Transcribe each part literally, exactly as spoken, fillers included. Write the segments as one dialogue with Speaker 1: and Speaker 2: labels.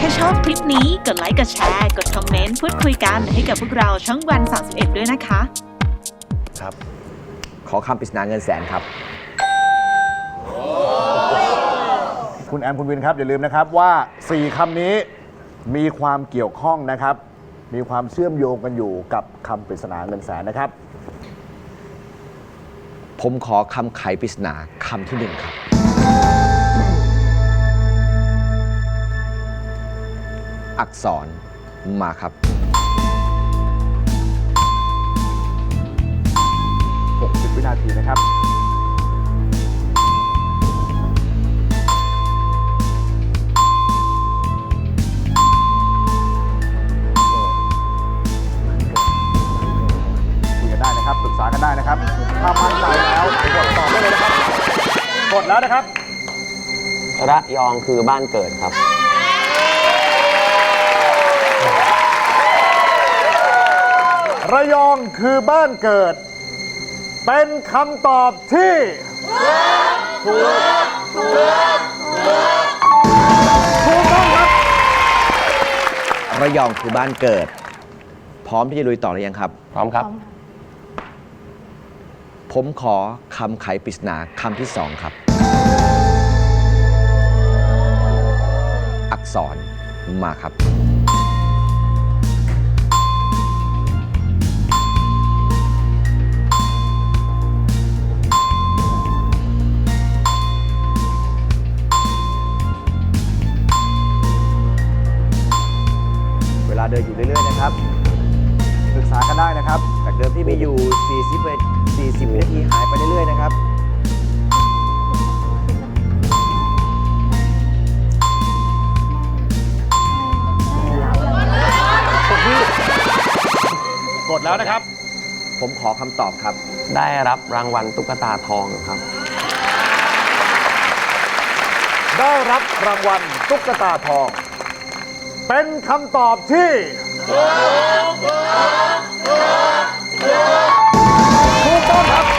Speaker 1: ชอบคลิปนี้กดไลค์กดแชร์กดคอมเมนต์พูดคุยกันให้กับพวกเราช่องวันสามสิบเอ็ดด้วยนะคะ
Speaker 2: ครับขอคำปริศนาเงินแสนครับ
Speaker 3: คุณแอมคุณวินครับอย่าลืมนะครับว่าสี่คำนี้มีความเกี่ยวข้องนะครับมีความเชื่อมโยงกันอยู่กับคำปริศนาเงินแสนนะครับ
Speaker 2: ผมขอคำไขปริศนาคำที่หนึ่งครับอักษรมาครับ
Speaker 3: หกสิบวินาทีนะครับคุยกันได้นะครับปรึกษากันได้นะครับถ้ามั่นใจแล้วกดตอบได้เลยนะครับกดแล้วนะครับ
Speaker 4: ระยองคือบ้านเกิดครับ
Speaker 3: ระยองคือบ้านเกิดเป็นคำตอบที่ถูกถูกถูกต้องครับ
Speaker 2: ระยองคือบ้านเกิดพร้อมที่จะลุยต่อหรือยังครับ
Speaker 4: พร้อมครับ
Speaker 2: ผมขอคำไขปริศนาคำที่สองครับอักษรมาครับเวลาเดินอยู่เรื่อยๆนะครับ
Speaker 3: ปรึกษากันได้นะครับ
Speaker 2: จากเดิมที่มีอยู่สี่สิบวินาทีหายไปเรื่อยๆนะครับ
Speaker 3: กดแล้วนะครับ
Speaker 2: ผมขอคำตอบครับ
Speaker 4: ได้รับรางวัลตุ๊กตาทองครับ
Speaker 3: ได้รับรางวัลตุ๊กตาทองเป็นคำตอบที่ถูกต้องครับ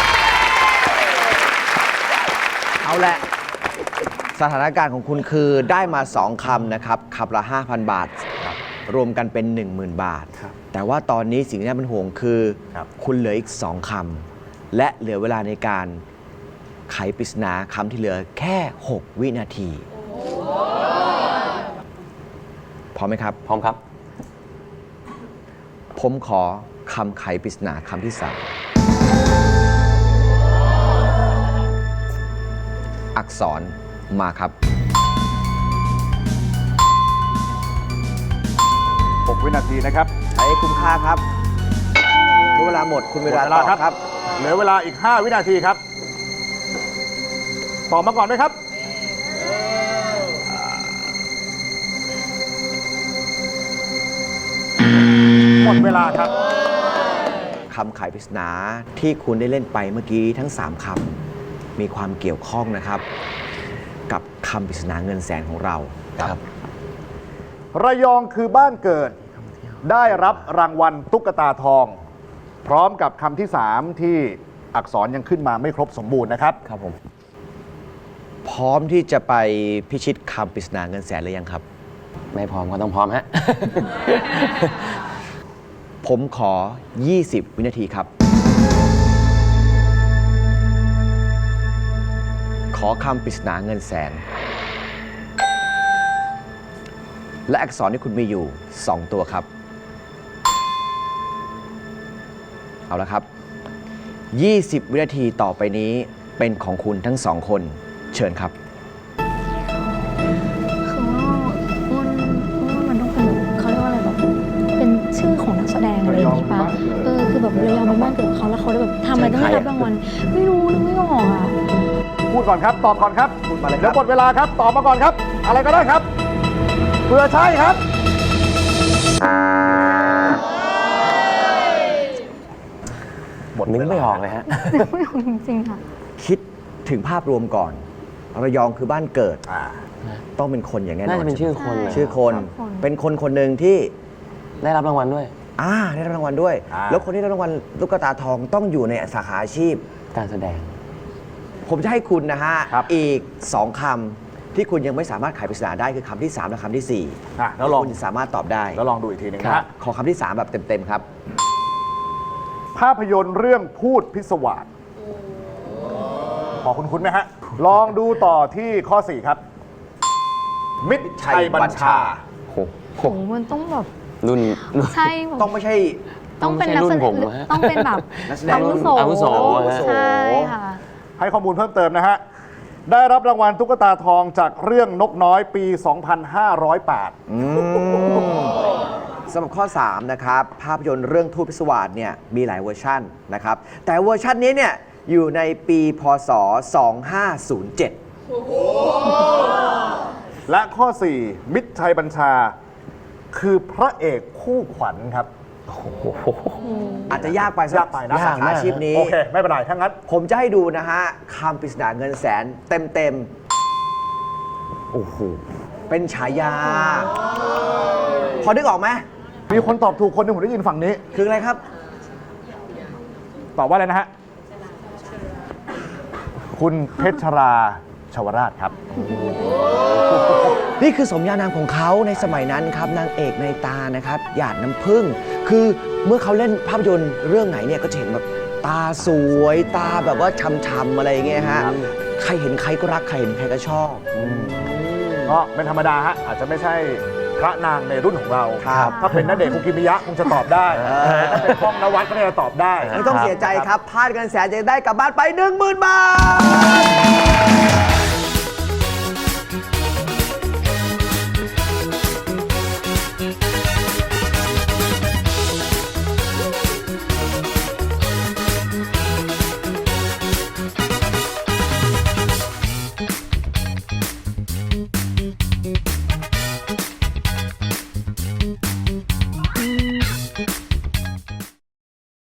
Speaker 2: เอาแหละสถานการณ์ของคุณคือได้มาสองคำนะครับคำละ ห้าพัน บาทรวมกันเป็น หนึ่งหมื่น บาทแต่ว่าตอนนี้สิ่งที่น่าเป็นห่วงคือคคุณเหลืออีกสองคำและเหลือเวลาในการไขปริศนาคำที่เหลือแค่หกวินาทีพร้อมไหมครับ
Speaker 4: พร้อมครับ
Speaker 2: ผมขอคำไขปริศนาคำที่สามอักษรมาครับ
Speaker 3: หกวินาทีนะครับ
Speaker 2: ใช้คุ้มค่าครับเวลาหมดคุณเวลาตอบครับ
Speaker 3: เหลือเวลาอีกห้าวินาทีครับตอบมาก่อนไหมครับหมดเวลาครับ
Speaker 2: คำไขปริศนาที่คุณได้เล่นไปเมื่อกี้ทั้งสามคำมีความเกี่ยวข้องนะครับกับคำปริศนาเงินแสนของเราครับ
Speaker 3: ระยองคือบ้านเกิดได้รับรางวัลตุ๊กตาทองพร้อมกับคำที่สามที่อักษรยังขึ้นมาไม่ครบสมบูรณ์นะครับ
Speaker 2: ครับผมพร้อมที่จะไปพิชิตคำปริศนาเงินแสนหรือยังครับ
Speaker 4: ไม่พร้อมก็ต้องพร้อมฮะ
Speaker 2: ผมขอยี่สิบวินาทีครับขอคำปริศนาเงินแสนและอักษรที่คุณมีอยู่สองตัวครับเอาละครับยี่สิบวินาทีต่อไปนี้เป็นของคุณทั้งสองคนเชิญครับ
Speaker 5: คือว่าอ้นว่ามันต้องเป็นเขาเรียกว่าอะไรแบบเป็นชื่อของนักแสดงอะไรอย่างนี้ป่ะเออคือแบบระยองเป็นบ้านเกิดเขาแล้วเขาได้แบบทำอะไรต้องได้รับรางวัลไม่รู้นึกไม่ออกอ่ะ
Speaker 3: พูดก่อนครับตอบก่อนครับพูดมาเลยครับแล้วหมดเวลาครับตอบมาก่อนครับอะไรก็ได้ครับเพื่อใช่ครับ
Speaker 4: บทนึกไม่ออกเลยฮะ
Speaker 5: นึกไม่ออกจริงๆค่ะ
Speaker 2: คิดถึงภาพรวมก่อนระยองคือบ้านเกิดต้องเป็นคนอย่างแน่นอน
Speaker 4: น่าจะเป็นชื่อคน
Speaker 2: ชื่อคนเป็นคนคนหนึ่งที่
Speaker 4: ได้รับรางวัลด้วย
Speaker 2: อ่าได้รับรางวัลด้วยแล้วคนที่ได้รางวัลตุ๊กตาทองต้องอยู่ในสาขาอาชีพ
Speaker 4: การแสดง
Speaker 2: ผมจะให้คุณนะฮะอีกสองคที่คุณยังไม่สามารถไขปริศนาได้คือคำที่สามและคำที่สี่
Speaker 3: อ่ะแล้วลอง
Speaker 2: คุณสามารถตอบได้
Speaker 3: แล้วลองดูอีกทีหนึง
Speaker 2: ค
Speaker 3: นะ
Speaker 2: รั
Speaker 3: ฮะ
Speaker 2: บขอคำที่สามแบบเต็มๆครับ
Speaker 3: ภาพยนตร์เรื่องพูดพิศวาสพอคุณคุ้นๆไหมฮะ ลองดูต่อที่ข้อ สี่ ครับ มิตรชัยบัญชา
Speaker 4: โอ้โห
Speaker 5: โหมันต้องแบบ
Speaker 4: รุ่นรุ่น
Speaker 5: ใช่แบบ
Speaker 2: ต้องไม่ใช่
Speaker 5: ต้องเป็นนักแสด
Speaker 4: ต้อง
Speaker 5: ง
Speaker 4: ไม่ใช่รุ่นผมอะ
Speaker 5: ต้องเป็นแบบ
Speaker 2: นักแสดง
Speaker 5: อาวุโส
Speaker 4: อาวุโสอะฮะ
Speaker 5: ใช่ค่ะ
Speaker 3: ให้ข้อมูลเพิ่มเติมนะฮะ ได้รับรางวัลตุ๊กตาทองจากเรื่องนกน้อยปี สองพันห้าร้อยแปด
Speaker 2: อืมสำหรับข้อ สาม นะครับ ภาพยนตร์เรื่องทูตพิศวาสเนี่ยมีหลายเวอร์ชันนะครับ แต่เวอร์ชันนี้เนี่ยอยู่ในปีพศ สองพันห้าร้อยเจ็ด
Speaker 3: และข้อ สี่ มิตรชัยบัญชา คือพระเอกคู่ขวัญครับ
Speaker 2: อาจจะยากไปสำหรับ
Speaker 3: ยากไปนะ
Speaker 2: สาขาอาชีพนี้
Speaker 3: โอเค ไม่เป็นไรถ้างั้น
Speaker 2: ผมจะให้ดูนะฮะคำปริศนาเงินแสนเต็มๆ โอ้โห เป็นฉายา พอนึกออกไหม
Speaker 3: มีคนตอบถูกคนหนึงผมได้ยินฝั่งนี้
Speaker 2: คืออะไรครับ
Speaker 3: ตอบว่าอะไรนะฮะ คุณเพชรราชวราชครับ
Speaker 2: นี่คือสมญานามของเขาในสมัยนั้นครับนางเอกในตานะครับหยาดน้ำผึ้งคือเมื่อเขาเล่นภาพยนตร์เรื่องไหนเนี่ยก็จะเห็นแบบตาสวยตาแบบว่าช้ำๆอะไรอย่างเงี้ยฮะใครเห็นใครก็รักใครเห็นใครก็ชอบ
Speaker 3: ก็เป็นธรรมดาฮะ อาจจะไม่ใช่พระนางในรุ่นของเรา
Speaker 2: ครับ
Speaker 3: ถ้าเป็นณเดชน์คุกิมิยะคงจะตอบได้ ถ้าเป็นป้องนวัดก็น่าจะตอบได้
Speaker 2: ไม่ต้องเสียใจครับพลาดเงินแสนจะได้กลับบ้านไป หนึ่งหมื่น บาท